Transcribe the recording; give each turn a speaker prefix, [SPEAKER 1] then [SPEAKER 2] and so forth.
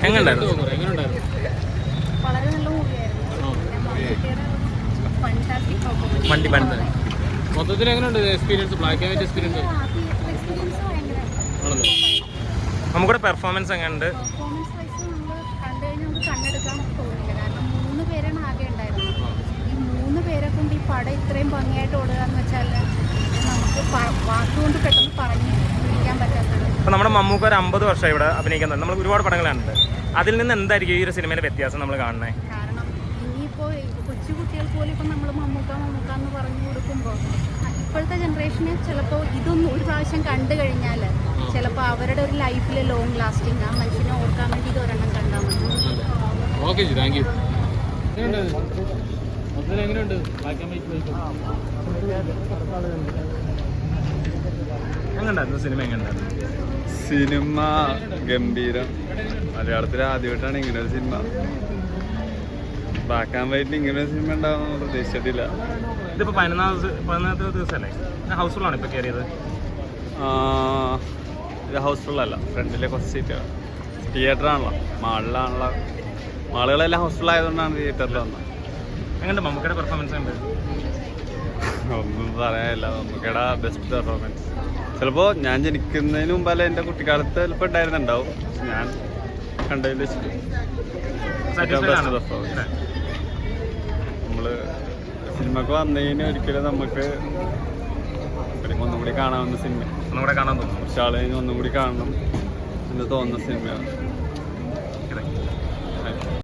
[SPEAKER 1] വളരെ നല്ല മൂവിയായിരുന്നു.
[SPEAKER 2] മൊത്തത്തിൽ എങ്ങനെയുണ്ട് experience? Black and white experience
[SPEAKER 3] നമുക്കിവിടെ പെർഫോമൻസ് എങ്ങനെയുണ്ട്?
[SPEAKER 1] പെർഫോമൻസ് വൈസ് നമ്മൾ കണ്ടു കഴിഞ്ഞാൽ നമുക്ക് കണ്ണെടുക്കാൻ തോന്നില്ല. കാരണം 3 പേരാണ് ആകെ ഉണ്ടായിരുന്നത്. ഈ 3 പേരെ കൊണ്ട് ഈ പടം ഇത്രയും ഭംഗിയായിട്ട് ഓടുക എന്ന് വെച്ചാൽ നമുക്ക് വാക്കുകൊണ്ട് പെട്ടെന്ന് പറഞ്ഞു വിളിക്കാൻ പറ്റാത്തത്.
[SPEAKER 3] അപ്പോൾ നമ്മുടെ മമ്മൂക്ക ഒരു 50 വർഷം ഇവിടെ അഭിനയിക്കുന്നത്. നമ്മൾ ഒരുപാട് പടങ്ങളുണ്ട്. അതിൽ നിന്ന് എന്തായിരിക്കും ഈ ഒരു സിനിമയിലെ വ്യത്യാസം നമ്മൾ കാണുന്നത്?
[SPEAKER 1] കാരണം ഇനിയിപ്പോൾ കൊച്ചു കുട്ടികൾക്ക് പോലും ഇപ്പം നമ്മൾ മമ്മൂക്ക എന്ന് പറഞ്ഞു കൊടുക്കുമ്പോൾ ഇപ്പോഴത്തെ ജനറേഷന് ചിലപ്പോൾ ഇതൊന്നും ഒരു പ്രാവശ്യം കണ്ടു കഴിഞ്ഞാൽ ചിലപ്പോൾ അവരുടെ ഒരു ലൈഫിൽ ലോങ് ലാസ്റ്റിംഗ് ആ മനുഷ്യനെ ഓർക്കാൻ വേണ്ടി ഇത് ഒരെണ്ണം കണ്ടാൽ മതി.
[SPEAKER 2] Okay ji, thank you. എങ്ങനെയുണ്ട് ബ്ലാക്ക് ആൻഡ് വൈറ്റ്?
[SPEAKER 3] എങ്ങനെയുണ്ടായിരുന്നു സിനിമ? എങ്ങനെയുണ്ടായിരുന്നു
[SPEAKER 4] സിനിമ? ഗംഭീരം. മലയാളത്തിൽ ആദ്യമായിട്ടാണ് ഇങ്ങനെ ഒരു സിനിമ. ബ്ലാക്ക് ആൻഡ് വൈറ്റിൽ ഇങ്ങനെ ഒരു സിനിമ ഉണ്ടാവുമെന്ന് പ്രതീക്ഷിച്ചിട്ടില്ല.
[SPEAKER 3] ഇതിപ്പോൾ 14ാമത്തെ ദിവസമല്ലേ? ഹൗസ്ഫുള്ളാണ് ഇപ്പോൾ കയറിയത്.
[SPEAKER 4] ഇത് ഹൗസ്ഫുള്ളല്ല, ഫ്രണ്ടിലെ കുറച്ച് സീറ്റാണ്. തിയേറ്ററാണല്ലോ, മാളിലാണല്ലോ. മാളുകളെല്ലാം ഹൗസ്ഫുൾ ആയതുകൊണ്ടാണ് തിയേറ്ററിൽ വന്നത്.
[SPEAKER 3] എങ്ങനെയുണ്ട് മമ്മൂക്കയുടെ പെർഫോമൻസ്? ഉണ്ട്
[SPEAKER 4] ഒന്നും പറയാനില്ല. മമ്മൂക്കയുടെ ബെസ്റ്റ് പെർഫോമൻസ്. ചിലപ്പോൾ ഞാൻ ജനിക്കുന്നതിന് മുമ്പല്ല എൻ്റെ കുട്ടിക്കാലത്ത് ചിലപ്പോൾ ഉണ്ടായിരുന്നുണ്ടാവും. ഞാൻ കണ്ടതിൽ വെച്ചിട്ട് ബെസ്റ്റ് പെർഫോമൻസ്. നമ്മൾ സിനിമക്ക് വന്നതിന് ഒരിക്കലും നമുക്ക് ഒന്നുകൂടി കാണാവുന്ന സിനിമ.
[SPEAKER 3] ഒന്നുകൂടെ കാണാൻ തോന്നുന്നു.
[SPEAKER 4] പക്ഷെ ആളെ ഒന്നും കൂടി കാണണം എന്ന് തോന്നുന്ന സിനിമയാണ്.